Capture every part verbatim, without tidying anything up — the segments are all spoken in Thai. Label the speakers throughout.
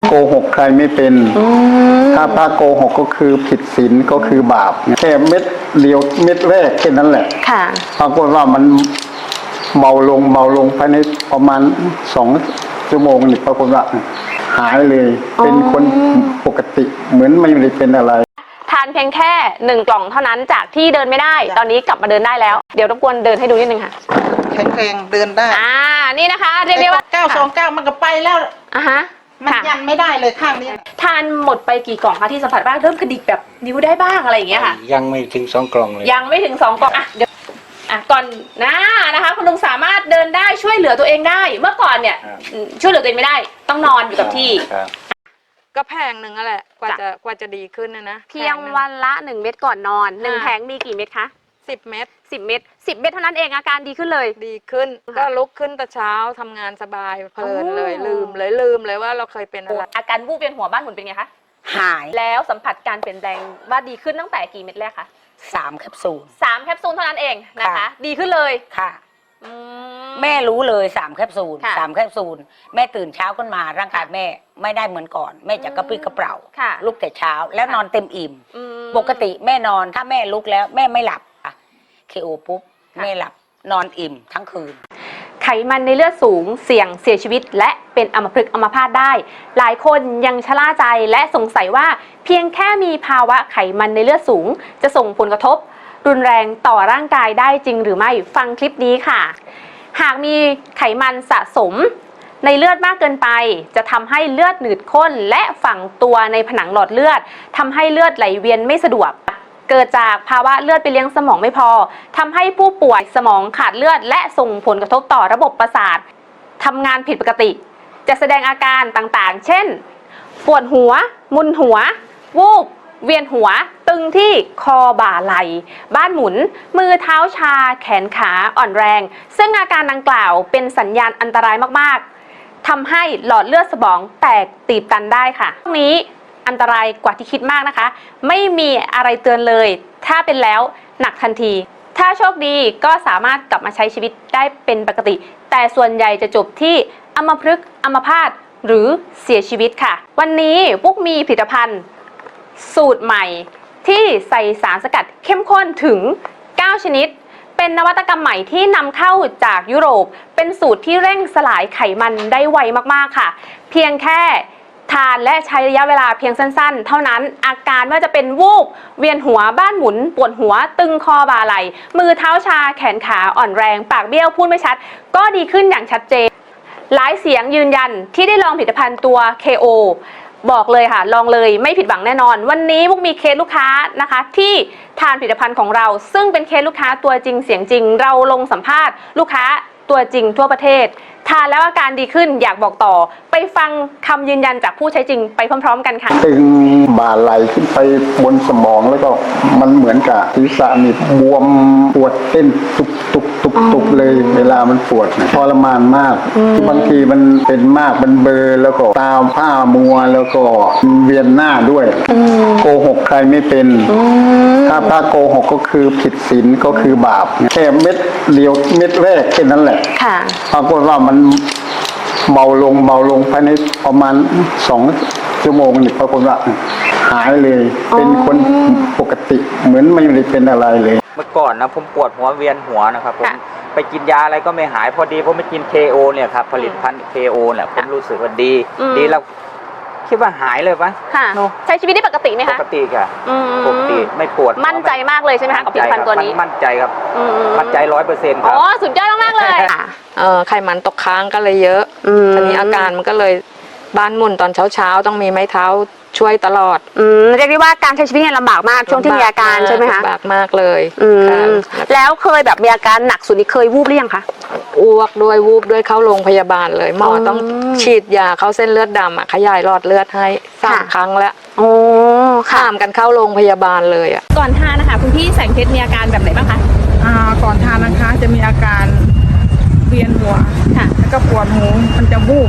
Speaker 1: โกหกใครไม่เป็นถ้าพระโกหกก็คือผิดศีลก็คือบาปแค่เม็ดเดียวเม็ดแรกแค่นั้นแหละ
Speaker 2: ค่ะ
Speaker 1: ปรากฏว่ามันเบาลงเบาลงภายในประมาณสองชั่วโมงนี่ปรากฏว่าหายเลยเป็นคนปกติเหมือนไม่ได้เป็นอะไร
Speaker 2: ทานเพียงแค่หนึ่งกล่องเท่านั้นจากที่เดินไม่ได้ตอนนี้กลับมาเดินได้แล้วเดี๋ยวรบกวนเดินให้ดูนิดนึงค่ะ
Speaker 3: แข็งแรงเดินได้
Speaker 2: อ่านี่นะคะเรียกได้ว่า
Speaker 3: เก้าสองเก้ามันก็ไปแล้ว
Speaker 2: อ่ะฮะ
Speaker 3: มันยันไม่ได้เลยข้างนี้
Speaker 2: ทานหมดไปกี่กล่องคะที่สัมผัสบ้างเริ่มกระดิกแบบนิ้วได้บ้างอะไรอย่างเงี้ยค่ะ
Speaker 4: ยังไม่ถึงสองกล่องเลย
Speaker 2: ยังไม่ถึงสองกล่องอ่ะเดี๋ยวอ่ะก่อนนะนะคะคุณลุงสามารถเดินได้ช่วยเหลือตัวเองได้เมื่อก่อนเนี่ยช่วยเหลือตัวเองไม่ได้ต้องนอนอยู่กับที่
Speaker 5: ก็แพงหนึ่งแหละกว่าจะกว่าจะดีขึ้นนะนะ
Speaker 2: เพียงวันละหนึ่งเม็ดก่อนนอนหนึ่งแผงมีกี่เม็ดคะ
Speaker 5: สิบเม็ด
Speaker 2: สิบเม็ดสิบเม็ดเท่านั้นเองอาการดีขึ้นเลย
Speaker 5: ดีขึ้นก็ลุกขึ้นแต่เช้าทำงานสบายเพลินเลยลืมเลยลืมเลยว่าเราเคยเป็นอะไร
Speaker 2: อาการวูบเวียนหัวบ้านหมุนเป็นไงคะ
Speaker 6: หาย
Speaker 2: แล้วสัมผัสการเปลี่ยนแปลงว่าดีขึ้นตั้งแต่กี่เม็ดแรกคะ
Speaker 6: สามแคปซูล
Speaker 2: สามแคปซูลเท่านั้นเองนะคะดีขึ้นเลย
Speaker 6: ค่ะแม่รู้เลยสามแคปซูลสามแคปซูลแม่ตื่นเช้าขึ้นมาร่างกายแม่ไม่ได้เหมือนก่อนแม่จะกระปรี้กระเปร่าลุกแต่เช้าแล้วนอนเต็มอิ่มปกติแม่นอนถ้าแม่ลุกแล้วแม่ไม่หลับเคโอปุ๊บแม่หลับนอนอิ่มทั้งคืน
Speaker 2: ไขมันในเลือดสูงเสี่ยงเสียชีวิตและเป็นอัมพฤกษ์อัมพาตได้หลายคนยังชะล่าใจและสงสัยว่าเพียงแค่มีภาวะไขมันในเลือดสูงจะส่งผลกระทบรุนแรงต่อร่างกายได้จริงหรือไม่ฟังคลิปนี้ค่ะหากมีไขมันสะสมในเลือดมากเกินไปจะทำให้เลือดหนืดข้นและฝังตัวในผนังหลอดเลือดทำให้เลือดไหลเวียนไม่สะดวกเกิดจากภาวะเลือดไปเลี้ยงสมองไม่พอทำให้ผู้ป่วยสมองขาดเลือดและส่งผลกระทบต่อระบบประสาททำงานผิดปกติจะแสดงอาการต่างๆเช่นปวดหัวมึนหัววูบเวียนหัวตึงที่คอบ่าไหล่บ้านหมุนมือเท้าชาแขนขาอ่อนแรงซึ่งอาการดังกล่าวเป็นสัญญาณอันตรายมากๆทำให้หลอดเลือดสมองแตกตีบตันได้ค่ะตรงนี้อันตรายกว่าที่คิดมากนะคะไม่มีอะไรเตือนเลยถ้าเป็นแล้วหนักทันทีถ้าโชคดีก็สามารถกลับมาใช้ชีวิตได้เป็นปกติแต่ส่วนใหญ่จะจบที่อัมพฤกษ์อัมพาตหรือเสียชีวิตค่ะวันนี้ปุ๊กมีผลิตภัณฑ์สูตรใหม่ที่ใส่สารสกัดเข้มข้นถึงเก้าชนิดเป็นนวัตกรรมใหม่ที่นำเข้าจากยุโรปเป็นสูตรที่เร่งสลายไขมันได้ไวมากๆค่ะเพียงแค่ทานและใช้ระยะเวลาเพียงสั้นๆเท่านั้นอาการว่าจะเป็นวูบเวียนหัวบ้านหมุนปวดหัวตึงคอบ่าไหล่มือเท้าชาแขนขาอ่อนแรงปากเบี้ยวพูดไม่ชัดก็ดีขึ้นอย่างชัดเจนหลายเสียงยืนยันที่ได้ลองผลิตภัณฑ์ตัว เค โอ บอกเลยค่ะลองเลยไม่ผิดหวังแน่นอนวันนี้พวกมีเคสลูกค้านะคะที่ทานผลิตภัณฑ์ของเราซึ่งเป็นเคสลูกค้าตัวจริงเสียงจริงเราลงสัมภาษณ์ลูกค้าตัวจริงทั่วประเทศทานแล้วอาการดีขึ้นอยากบอกต่อไปฟังคำยืนยันจากผู้ใช้จริงไปพร้อมๆกันค่ะ
Speaker 1: ตึงบ่าไหลขึ้นไปบนสมองแล้วก็มันเหมือนกับศีรษะนี่บวมปวดเต้นตุบตุบตุบตุบเลยเวลามันปวดทรมานมากบางทีมันเป็นมากมันเบลอแล้วก็ตาผ้ามัวแล้วก็เวียนหน้าด้วยโกหกใครไม่เป็นถ้าพระโกหกก็คือผิดศีลก็คือบาปแค่เม็ดเดียวเม็ดแรกแค่นั้นแหละปรากฏว่ามันเบาลงเบาลงภายในประมาณสองชั่วโมงนี่ปรากฏว่าหายเลยเป็นคนปกติเหมือนไม่ได้เป็นอะไรเลย
Speaker 4: เมื่อก่อนนะผมปวดหัวเวียนหัวนะครับผมไปกินยาอะไรก็ไม่หายพอดีผมไปกิน เค โอ เนี่ยครับผลิตภัณฑ์ เค โอ เนี่ยผมรู้สึกว่าดีดีแล้วคิดว่าหายเลยปะ
Speaker 2: ใช้ชีวิตได้ปกติไหมคะ
Speaker 4: ปกติค่ะปกติไม่ปวด
Speaker 2: มั่นใจมากเลยใช่ไหมคะกับผลิตภัณฑ์ตัวนี้
Speaker 4: มั่นใจครับมั่นใจร้อยเปอร์เซ็นต์ครับ
Speaker 2: อ๋อสุดยอดมากเลย
Speaker 5: เออไขมันตกค้างก็เลยเยอะตอนนี้อาการมันก็เลยบ้านหมุนตอนเช้าๆต้องมีไม้เท้าช่วยตลอด
Speaker 2: อืมเรียกได้ว่าการใช้ชีวิตเนี่ยลำบากมากช่วงที่มีอาการใช่ไหมคะ
Speaker 5: ลำบากมากเลย
Speaker 2: แล้วเคยแบบมีอาการหนักสุดนี่เคยวูบหรือยังคะ
Speaker 5: อ้วกด้วยวูบด้วยเข้าโรงพยาบาลเลยหมอต้องฉีดยาเข้าเส้นเลือดดำอ่ะขยายหลอดเลือดให้สามครั้งแล้ว
Speaker 2: โอ้
Speaker 5: ข้ามกันเข้าโรงพยาบาลเลยอ่ะ
Speaker 2: ก่อนทานนะคะคุณพี่แสงเพชรมีอาการแบบไหนบ้างคะ
Speaker 3: อ่าก่อนทานนะคะจะมีอาการเวียนหัวค่ะแล้วก็ปวดหูมันจะวูบ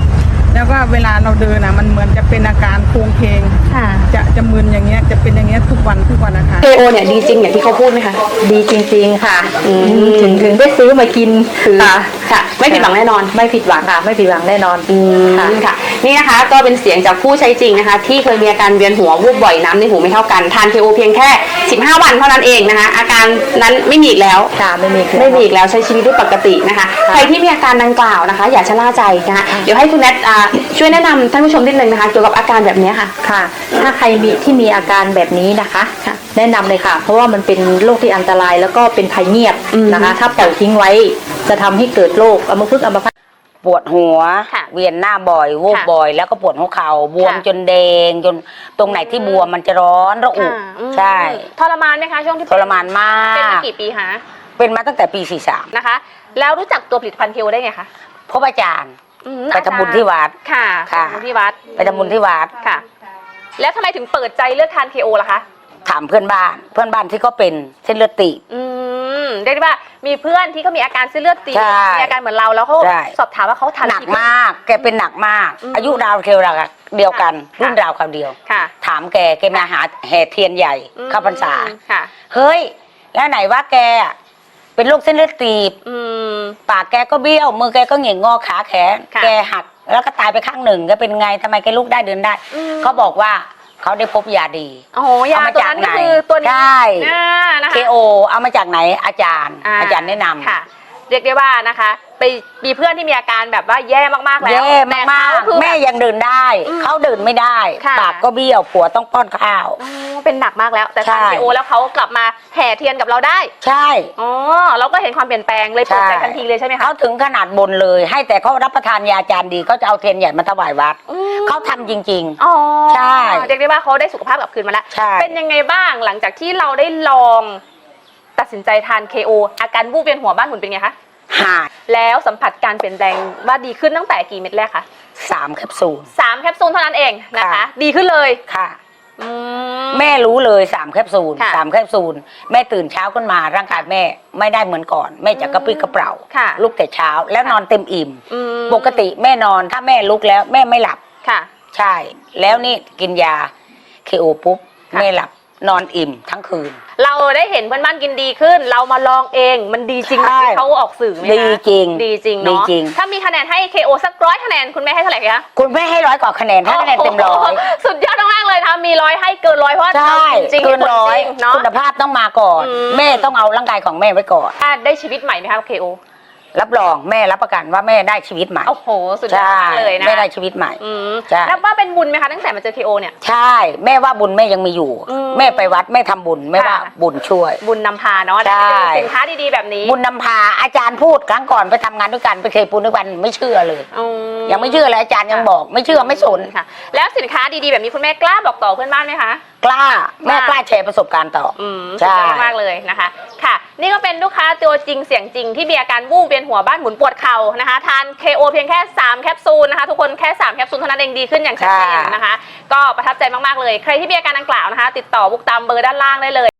Speaker 3: แล้วก็เวลาเราเดินอ่ะมันเหมือนจะเป็นอาการโคลงเคง
Speaker 2: ค่ะ
Speaker 3: จะจะมึนอย่างเงี้ยจะเป็นอย่างเงี้ยทุกวันทุกวันนะคะ
Speaker 2: เคโอเนี่ยดีจริงอย่างที่เขาพูดไหมคะ
Speaker 7: ดีจริงๆค่ะ
Speaker 2: อืม
Speaker 7: ถึงถึงได้ซื้อมากินคือ
Speaker 2: ค่ะค่ะ ไม่ผิดหวังแน่นอน
Speaker 7: ไม่ผิดหวังค่ะ ไม่ผิดหวังแน่นอน
Speaker 2: อืม
Speaker 7: ค่ะ
Speaker 2: ค่ะนี่นะคะก็เป็นเสียงจากผู้ใช้จริงนะคะ ที่เคยมีอาการเวียนหัววูบบ่อยน้ำในหูไม่เท่ากันทาน เค โอ เพียงแค่ สิบห้า วันเท่านั้นเองนะคะ อาการนั้นไม่มีอีกแล้ว
Speaker 7: ค่ะไม่มี
Speaker 2: ไม่มีอีกแล้วใช้ชีวิตได้ปกตินะคะ ใครที่มีอาการดังกล่าวนะคะ อย่าชะล่าใจนะคะเดี๋ยวให้คุณแนทอ่าช่วยแนะนำท่านผู้ชมนิดนึงนะคะเกี่ยวกับอาการแบบนี้ค่ะ
Speaker 7: ค่ะ ถ้าใครมีที่มีอาการแบบนี้นะคะ
Speaker 2: ค่ะ
Speaker 7: แนะนำเลยค่ะ เพราะว่ามันเป็นโรคที่อันตรายแล้วก็เป็นภัยเงียบ
Speaker 2: อืม
Speaker 7: นะคะ ถ้าปล่อยทิ้งไว้จะทำให้เกิดโรคอัมพฤกษ์อัมพาต
Speaker 6: ปวดหัว
Speaker 2: ค่ะ
Speaker 6: เวียนหน้าบ่อยวูบ
Speaker 2: ค่ะ
Speaker 6: บ่อย แล้วก็ปวดหัวเข่าบวม
Speaker 2: ค่ะ
Speaker 6: จนแดงจนตรงไหนที่บวมมันจะร้อนระอุ
Speaker 2: ค่ะอืม
Speaker 6: ใช่
Speaker 2: ทรมานไหมคะช่วงที่
Speaker 6: ทรมานมาก
Speaker 2: เป็นมากี่ปีคะ
Speaker 6: เป็นมาตั้งแต่ปีสี่สาม
Speaker 2: นะคะ แล้วรู้จักตัวผลิตภัณฑ์เคโอได้ไงคะ
Speaker 6: พบอาจารย์
Speaker 2: อืม
Speaker 6: ไปทำบุญที่วัด
Speaker 2: ค่ะ
Speaker 6: ค่ะ
Speaker 2: ไปทำบุญที่วัด
Speaker 6: ไปทำบุญที่วัด
Speaker 2: ค่ะ แล้วทำไมถึงเปิดใจเลือกทาน เค โอ ล่ะคะ
Speaker 6: ถามเพื่อนบ้าน เพื่อนบ้านที่เขาเป็นเส้นเลือดตีบ
Speaker 2: อืมเรียกได้ว่ามีเพื่อนที่เขามีอาการเส้นเลือดตีบ
Speaker 6: ใช่
Speaker 2: มีอาการเหมือนเราแล้วเขา
Speaker 6: ใช่
Speaker 2: สอบถามว่าเขาทาน
Speaker 6: หนัก
Speaker 2: กี่
Speaker 6: มาก แกเป็นหนักมาก
Speaker 2: อืม
Speaker 6: อายุราวเคียวราวเดียวกัน
Speaker 2: ค่ะ
Speaker 6: รุ่นราวคราวเดียว
Speaker 2: ค่ะ
Speaker 6: ถามแกแกมาหาแห่เทียนใหญ่
Speaker 2: อืม
Speaker 6: เข้าพรรษา
Speaker 2: ค่ะ
Speaker 6: เฮ้ย แล้วไหนว่าแกอะเป็นโรคเส้นเลือดตีบ
Speaker 2: อืม
Speaker 6: ปากแกก็เบี้ยว มือแกก็เหงี่ยงงอขาแขน
Speaker 2: ค่ะ
Speaker 6: แกหักแล้วก็ตายไปข้างหนึ่งแกเป็นไงทำไมแกลุกได้เดินได้
Speaker 2: อืม
Speaker 6: เขาบอกว่าเขาได้พบยาดี
Speaker 2: โอ้โหยา
Speaker 6: เอามา
Speaker 2: ตัว
Speaker 6: จาก
Speaker 2: นั้นก็
Speaker 6: ไหน
Speaker 2: คือตัวนี้
Speaker 6: ใช่
Speaker 2: อ่านะคะ
Speaker 6: เคโอเอามาจากไหนอาจารย์ อาจารย์แนะนำ
Speaker 2: ค่ะ เรียกได้ว่านะคะ ไปมีเพื่อนที่มีอาการแบบว่าแย่มากๆแล้ว
Speaker 6: แย่
Speaker 2: แต่
Speaker 6: มาก
Speaker 2: เขคือ
Speaker 6: ๆแม่ยังเดินได้
Speaker 2: อืม
Speaker 6: เขาเดินไม่ได้
Speaker 2: ค่ะ
Speaker 6: ปากก็เบี้ยวผัวต้องป้อนข้าว
Speaker 2: อ๋อเป็นหนักมากแล้ว แต่ทาน
Speaker 6: ใช่
Speaker 2: เคโอแล้วเขากลับมาแห่เทียนกับเราได้
Speaker 6: ใช่
Speaker 2: อ๋อเราก็เห็นความเปลี่ยนแปลงเลยเปิดใจ
Speaker 6: ใช่
Speaker 2: ทันทีเลยใช่ไหมคะ
Speaker 6: เขาถึงขนาดบนเลย ให้แต่เขารับประทานยาจานดีเขาจะเอาเทียนใหญ่มาถวายวัด
Speaker 2: อืม
Speaker 6: เขาทำจริง
Speaker 2: อ๋อ
Speaker 6: ใช่
Speaker 2: เรียกได้ว่าเขาได้สุขภาพกลับคืนมาแล้ว
Speaker 6: ใช่
Speaker 2: เป็นยังไงบ้างหลังจากที่เราได้ลองตัดสินใจทาน เค โอ อาการวูบเวียนหัวบ้านหมุนเป็นไงคะ
Speaker 6: ๆหาย
Speaker 2: แล้วสัมผัสการเปลี่ยนแปลงว่าดีขึ้นตั้งแต่กี่เม็ดแรกคะ
Speaker 6: สามแคปซูล
Speaker 2: สามแคปซูลเท่านั้นเองนะคะ
Speaker 6: ค่ะ
Speaker 2: ดีขึ้นเลย
Speaker 6: ค่ะ
Speaker 2: อืม
Speaker 6: แม่รู้เลยสามแคปซูล
Speaker 2: ค่ะ
Speaker 6: สามแคปซูลแม่ตื่นเช้าขึ้นมาร่างกายแม่ไม่ได้เหมือนก่อน แม่จะกระปรี้กระเปร่า
Speaker 2: ค่ะ
Speaker 6: ลุกแต่เช้าแล้วนอนเต็มอิ่ม
Speaker 2: อืม
Speaker 6: ปกติแม่นอนถ้าแม่ลุกแล้วแม่ไม่หลับ
Speaker 2: ค่ะ
Speaker 6: ใช่ แล้วนี่กินยาเคโอปุ๊บ
Speaker 2: ค่ะ
Speaker 6: แม่หลับนอนอิ่มทั้งคืน
Speaker 2: เราได้เห็นเพื่อนบ้านกินดีขึ้น เรามาลองเองมันดีจริงไหม
Speaker 6: ใช่
Speaker 2: ที่เขาออกสื่อไหมคะ
Speaker 6: ดีจริง
Speaker 2: ดีจริง
Speaker 6: ดี
Speaker 2: เนาะ
Speaker 6: จริง
Speaker 2: ถ้ามีคะแนนให้ เค โอ สักร้อยคะแนนคุณแม่ให้เท่าไหร่คะ
Speaker 6: คุณแม่ให้ร้อยกว่าคะแนนถ้าคะแนนเต็มร้อย
Speaker 2: โโหสุดยอดมากๆเลยนะมีร้อยให้เกินร้อยเพราะว่า
Speaker 6: ใช่
Speaker 2: จริงๆ
Speaker 6: เกินร้อย
Speaker 2: จงๆเนาะ
Speaker 6: คุณภาพต้องมาก่อน
Speaker 2: อืม
Speaker 6: แม่ต้องเอาร่างกายของแม่ไว้ก่อน
Speaker 2: อ่ะได้ชีวิตใหม่ไหมคะ เค โอ
Speaker 6: รับรองแม่รับประกันว่าแม่ได้ชีวิตใหม่
Speaker 2: โอ้โหสุดยอด
Speaker 6: ใช่
Speaker 2: มากเลยนะ
Speaker 6: แม่ได้ชีวิตใหม่
Speaker 2: อืม
Speaker 6: ใช่
Speaker 2: นับว่าเป็นบุญไหมคะตั้งแต่มาเจอ เค โอ เนี่ย
Speaker 6: ใช่ แม่ว่าบุญแม่ยังมีอยู่
Speaker 2: อืม
Speaker 6: แม่ไปวัดแม่ทำบุญแม่ว่า
Speaker 2: ค่ะ
Speaker 6: บุญช่วย
Speaker 2: บุญนำพาเนาะ
Speaker 6: ใช่
Speaker 2: ได้เป็นสินค้าดีๆแบบนี้
Speaker 6: บุญนำพาอาจารย์พูดครั้งก่อนไปทำงานด้วยกันไปเคยปูนด้วยกันไม่เชื่อเลย
Speaker 2: อื
Speaker 6: ยังไม่เชื่อเลยอาจารย์ยังบอก ไม่เชื่อไม่สน
Speaker 2: ค่ะ แล้วสินค้าดีๆแบบนี้คุณแม่กล้าบอกต่อเพื่อนบ้านไหมคะ
Speaker 6: กล้าแม่
Speaker 2: ว่า
Speaker 6: กล้าแชร์ประสบการณ์ต่ออ
Speaker 2: อืม
Speaker 6: ใช่
Speaker 2: สุดยอดมากๆเลยนะคะ ค่ะ นี่ก็เป็นลูกค้าตัวจริงเสียงจริงที่มีอาการวูบเวียนหัวบ้านหมุนปวดเข่านะคะ ทาน เค โอ เพียงแค่สามแคปซูลนะคะ ทุกคนแค่สามแคปซูลเท่านั้นเองดีขึ้นอย่างชัดเจนนะคะ ก็ประทับใจมากๆเลย ใครที่มีอาการดังกล่าวนะคะ ติดต่อบุกตามเบอร์ด้านล่างได้เลย